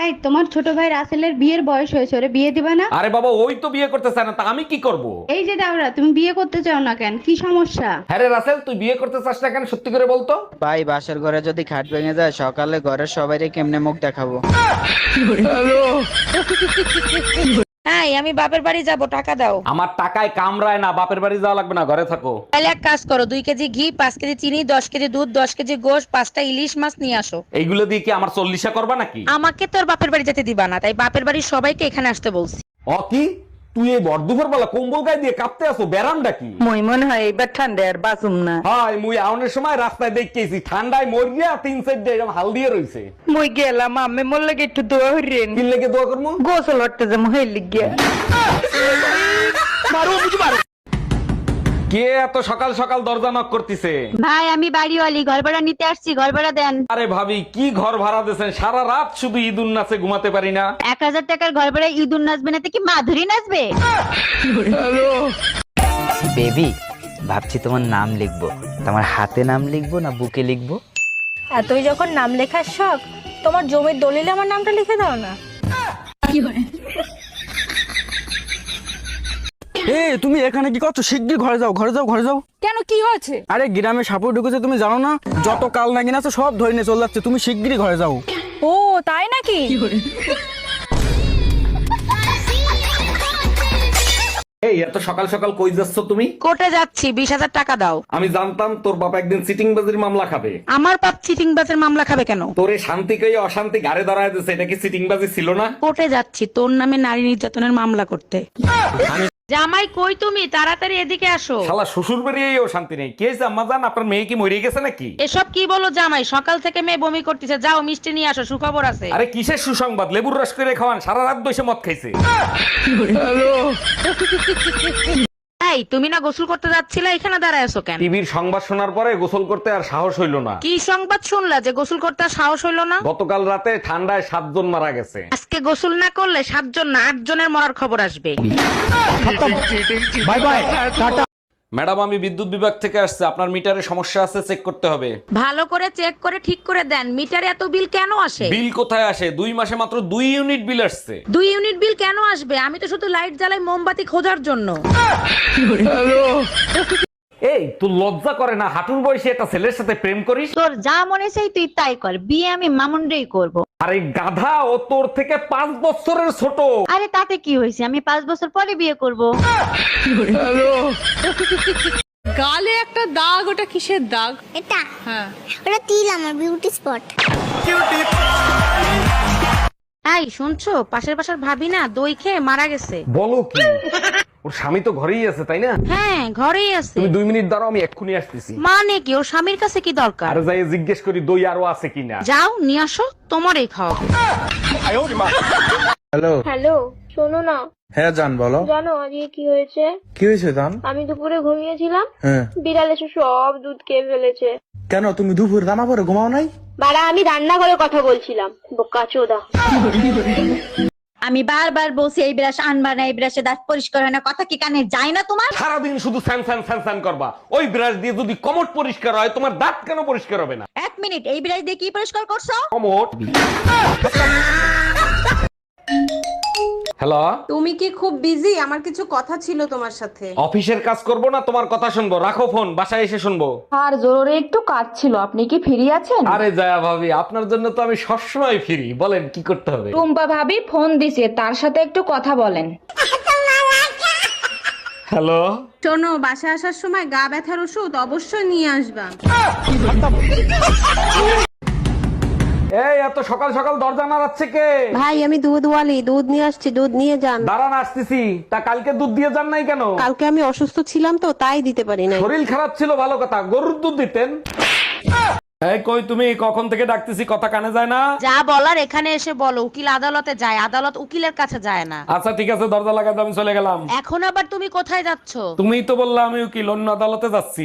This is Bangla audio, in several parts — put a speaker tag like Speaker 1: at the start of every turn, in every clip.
Speaker 1: এই তোমার ছোট ভাই রাসেলের বিয়ের বয়স হয়েছে, ওরে বিয়ে দিবা না?
Speaker 2: আরে বাবা, ওই তো বিয়ে করতে চায় না, তা আমি কি করব?
Speaker 1: এই যে দাওরা, তুমি বিয়ে করতে চাও না কেন, কি সমস্যা?
Speaker 2: হ্যাঁ রে রাসেল, তুই বিয়ে করতে চাস না কেন, সত্যি করে বলতো।
Speaker 3: ভাই বাসার ঘরে যদি খাট ভেঙে যায় সকালে ঘরের সবাইকে কেমনে মুখ দেখাবো?
Speaker 4: হ্যাঁ, আমি বাপের বাড়ি যাব, টাকা দাও।
Speaker 2: আমার টাকায় কামড়ায় না, বাপের বাড়ি যাওয়া লাগবে না, ঘরে থাকো।
Speaker 4: তাহলে এক কাজ করো, 2 কেজি ঘি, 5 কেজি চিনি, 10 কেজি দুধ, 10 কেজি গোশ, 5টা ইলিশ মাছ নিয়ে আসো।
Speaker 2: এইগুলো দিয়ে কি আমার 40 করবা নাকি?
Speaker 4: আমাকে তো আর বাপের বাড়ি যেতে দিবা না, তাই বাপের বাড়ির সবাইকে এখানে আসতে বলছি।
Speaker 2: কি তুই এই বর্দুপুর বেলা কম্বল গায়ে দিয়ে কাঁপতে আসো, ব্যারামটা কি?
Speaker 5: মই মনে হয় এবার ঠান্ডা আর বাঁচুম না।
Speaker 2: হাই মুই আউনের সময় রাস্তায় দেখতেছি ঠান্ডায় মরিয়া 3 সাইড দিয়ে এরকম হাল দিয়ে রইছে।
Speaker 5: মই গেলাম আমি মোর লাগে একটু দোয়া হইরেন,
Speaker 2: কি লেগে দোয়া করবো?
Speaker 5: গোসল হটতে যাবো হইলি গিয়া।
Speaker 2: কে এত সকাল সকাল দরজা নক করতেছে?
Speaker 1: ভাই আমি বাড়িওয়ালি, ঘর ভাড়া নিতে আসছি, ঘর ভাড়া দেন।
Speaker 2: আরে ভাবি, কি ঘর ভাড়া দিয়েছেন? সারা রাত শুধু ঈদুন নাচে ঘুমাতে পারি না।
Speaker 1: 1000 টাকার ঘর ভাড়া ইঁদুর নাচবে না তো কি মাধুরী নাচবে?
Speaker 3: বেবি ভাবছি তোমার নাম লিখবো, তোমার হাতে নাম লিখবো না বুকে লিখবো?
Speaker 6: আর তুই যখন নাম লেখার শখ, তোমার জমির দলিলে আমার নামটা লিখে দাও না।
Speaker 7: তুমি এখানে কি করছো? শিগগির ঘরে যাও, ঘরে যাও, ঘরে যাও।
Speaker 6: কেন, কি হয়েছে?
Speaker 7: আরে গ্রামে সাপুর ঢুকেছে, তুমি জানো না? যত কাল নাগিন আছে সব ধরে নিয়ে চলে যাচ্ছে, তুমি শিগগিরই ঘরে যাও।
Speaker 6: ও তাই নাকি?
Speaker 2: এই এত সকাল সকাল কই যাচ্ছ তুমি?
Speaker 4: কোর্টে যাচ্ছি, 20,000 টাকা দাও।
Speaker 2: আমি জানতাম তোর বাবা একদিন সিটিং বাজির মামলা খাবে।
Speaker 4: আমার বাপ চিটিং বাসের মামলা খাবে কেন?
Speaker 2: তোরে শান্তি কই অশান্তি ঘাড়ে ধরায় দিছে, এটা কি সিটিং বাজি ছিল না?
Speaker 4: কোর্টে যাচ্ছি তোর নামে নারী নির্যাতনের মামলা করতে। জামাই কই তুমি, তাড়াতাড়ি এদিকে আসো।
Speaker 2: শালা শ্বশুর বেরিয়েও শান্তি নেই। কে জাম্মা জান, আপনার মেয়ে কি মরে গেছে নাকি?
Speaker 4: এসব কি বলো জামাই, সকাল থেকে মেয়ে বমি করতেছে, যাও মিষ্টি নিয়ে আসো, সুখবর আছে।
Speaker 2: আরে কিসের সুসংবাদ? লেবুর রস করে খাওয়ান, সারা রাত বসে মদ খাইছে।
Speaker 4: এই তুমি না গোসল করতে যাচ্ছিলে, এখানে দাঁড়ায় আছো কেন?
Speaker 2: টিভির সংবাদ শোনার পরে গোসল করতে আর সাহস হইল না।
Speaker 4: কি সংবাদ শুনলা যে গোসল করতে আর সাহস হইলো না?
Speaker 2: গতকাল রাতে ঠান্ডায় 7 জন মারা গেছে।
Speaker 4: আজকে গোসল না করলে 7 জন না 8 জনের মরার খবর আসবে।
Speaker 2: Bye bye, tata. ম্যাডাম, আমি বিদ্যুৎ বিভাগ থেকে আসছে, আপনার মিটারে সমস্যা আছে, চেক করতে হবে।
Speaker 4: ভালো করে চেক করে ঠিক করে দেন, মিটারে এত বিল কেন আসে?
Speaker 2: বিল কোথায় আসে? 2 মাসে মাত্র 2 ইউনিট বিল আসছে।
Speaker 4: 2 ইউনিট বিল কেন আসবে? আমি তো শুধু লাইট জ্বালাই মোমবাতি খোঁজার জন্য।
Speaker 2: এই তোর লজ্জা করে না? হাঁটুর বয়সে একটা ছেলের সাথে প্রেম করিস?
Speaker 1: তোর যা মনে চাই তুই তাই কর, বিয়ে আমি মামুনরেই করব।
Speaker 2: আরে গাধা, ও তোর থেকে 5 বছরের ছোট।
Speaker 1: আরে তাতে কি হয়েছে, আমি 5 বছর পরে বিয়ে করব।
Speaker 6: গালে একটা দাগ, ওটা কিসের দাগ?
Speaker 8: এটা ওটা তিল, আমার বিউটি স্পট।
Speaker 4: এই শুনছো, পাশের বাসার ভাবি না দই খেয়ে মারা গেছে।
Speaker 2: বলো কি? ওর স্বামী তো ঘরেই আছে, তাই না?
Speaker 4: হ্যাঁ ঘরেই আছে।
Speaker 2: তুমি 2 মিনিট দাঁড়াও, আমি এক্ষুনি আসতেছি।
Speaker 4: মানে কি, ওর স্বামীর কাছে কি দরকার?
Speaker 2: আর যাই জিজ্ঞেস করি দই আরো আছে কিনা।
Speaker 4: যাও নিয়ে আসো, তোমারই খাওয়াবো।
Speaker 7: হ্যালো।
Speaker 6: হ্যালো, শোনো না।
Speaker 7: হ্যাঁ জান বলো।
Speaker 6: জানো আজকে কি হয়েছে?
Speaker 7: কি হয়েছে জান?
Speaker 6: আমি দুপুরে ঘুমিয়েছিলাম,
Speaker 7: হ্যাঁ।
Speaker 6: বিড়াল এসে সব দুধ খেয়ে ফেলেছে।
Speaker 7: কেন তুমি দুপুর রান্না করে ঘুমাও নাই?
Speaker 6: বাড়া, আমি রান্নাঘরে কথা বলছিলাম, বোকা চোদা।
Speaker 1: আমি বারবার বলছি এই ব্রাশ আনবা না, এই ব্রাশে দাঁত পরিষ্কার হয় না, কথা কি কানে যায় না তোমার?
Speaker 2: সারাদিন শুধু স্যান স্যান স্যান স্যান করবা। ওই ব্রাশ দিয়ে যদি কমট পরিষ্কার হয়, তোমার দাঁত কেন পরিষ্কার হবে না?
Speaker 1: 1 মিনিট, এই ব্রাশ দিয়ে কি পরিষ্কার করছো?
Speaker 2: কমট। হ্যালো,
Speaker 9: তুমি কি খুব বিজি? আমার কিছু কথা ছিল তোমার সাথে।
Speaker 2: অফিসের কাজ করব না তোমার কথা শুনবো? রাখো ফোন, বাসায় এসে শুনবো।
Speaker 9: আর জরুরি একটু কাজ ছিল, আপনি কি ফ্রি আছেন?
Speaker 2: আরে জয়া ভাবি, আপনার জন্য তো আমি সবসময় ফ্রি, বলেন কি করতে হবে?
Speaker 9: টুম্পা ভাবি ফোন দিছে, তার সাথে একটু কথা বলেন।
Speaker 2: হ্যালো,
Speaker 9: শোনো, বাসায় আসার সময় গা ব্যথার ওষুধ অবশ্যই নিয়ে আসবা।
Speaker 2: এই এত সকাল সকাল দরজা নাড়াচ্ছে কে?
Speaker 10: ভাই আমি দুধওয়ালি, দুধ নিয়ে আসছি, দুধ নিয়ে যান।
Speaker 2: দাঁড়ান আসতেছি। তা কালকে দুধ দিয়ে যান নাই কেন?
Speaker 10: কালকে আমি অসুস্থ ছিলাম তো, তাই দিতে পারি নাই।
Speaker 2: শরীর খারাপ ছিল, ভালো কথা, গরুর দুধ দিতেন। এই কই তুমি? কখন থেকে ডাকতেছি, কথা কানে যায় না?
Speaker 4: যা বলার এখানে এসে বলো, উকিল আদালতে যায়, আদালত উকিলের কাছে যায় না।
Speaker 2: আচ্ছা ঠিক আছে, দরজা লাগাতে আমি চলে গেলাম।
Speaker 4: এখন আবার তুমি কোথায় যাচ্ছ?
Speaker 2: তুমিই তো বললা আমি উকিল, অন্য আদালতে যাচ্ছি।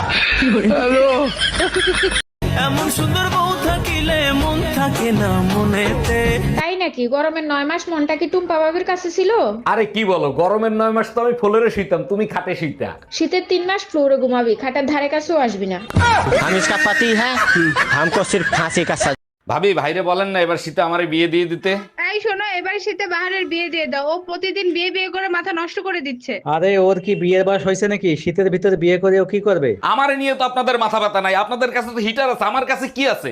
Speaker 11: এমন সুন্দর বউ থাকিলে মন থাকে না মনেতে।
Speaker 9: তাই নাকি? গরমের 9 মাস মনটা কি টুম্পা ভাবির কাছে ছিল?
Speaker 2: আরে কি বলো, গরমের 9 মাস তো আমি ফ্লোরে শুইতাম, তুমি খাটে শুইতা।
Speaker 9: শীতের 3 মাস ফ্লোরে ঘুমাবি, খাটার ধারে কাছেও আসবি না।
Speaker 11: हम इसका पति है, हमको सिर्फ फांसी का सजा।
Speaker 2: ভাবি ভাইরে বলেন না এবার শীতে আমারে বিয়ে দিয়ে দিতে।
Speaker 9: এই শোনো, এবার শীতে বাহারের বিয়ে দিয়ে দাও। ও প্রতিদিন বিয়ে বিয়ে করে মাথা নষ্ট করে দিচ্ছে।
Speaker 7: আরে ওর কি বিয়ের বয়স হয়েছে নাকি? শীতের ভিতরে বিয়ে করে ও কি করবে?
Speaker 2: আমারে নিয়ে তো আপনাদের মাথা ব্যথা নাই, আপনাদের কাছে তো হিটার আছে, আমার কাছে কি আছে?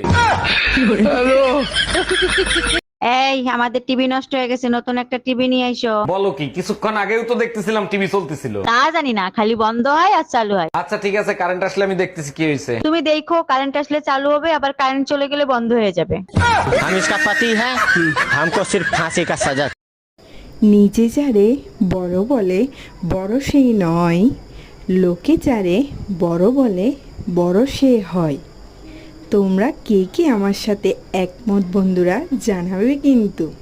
Speaker 1: এই আমাদের টিভি নষ্ট হয়ে গেছে, নতুন একটা টিভি নিয়ে আইসো।
Speaker 2: বলো কি, কিছুক্ষণ আগেও তো দেখতেছিলাম টিভি চলতেছিল।
Speaker 1: তা জানি না, খালি বন্ধ হয় আর চালু হয়।
Speaker 2: আচ্ছা ঠিক আছে, কারেন্ট আসলে আমি দেখতেছি কি হয়েছে।
Speaker 1: তুমি দেখো, কারেন্ট আসলে চালু হবে, আবার কারেন্ট চলে গেলে বন্ধ হয়ে যাবে।
Speaker 11: हम इसका पति है हमको सिर्फ फांसी का सजा।
Speaker 5: নিজে যারে বড় বলে বড় সেই নয়, লোকে যারে বড় বলে বড় সে হয়। তোমরা কে কে আমার সাথে একমত বন্ধুরা জানাবে কিন্তু।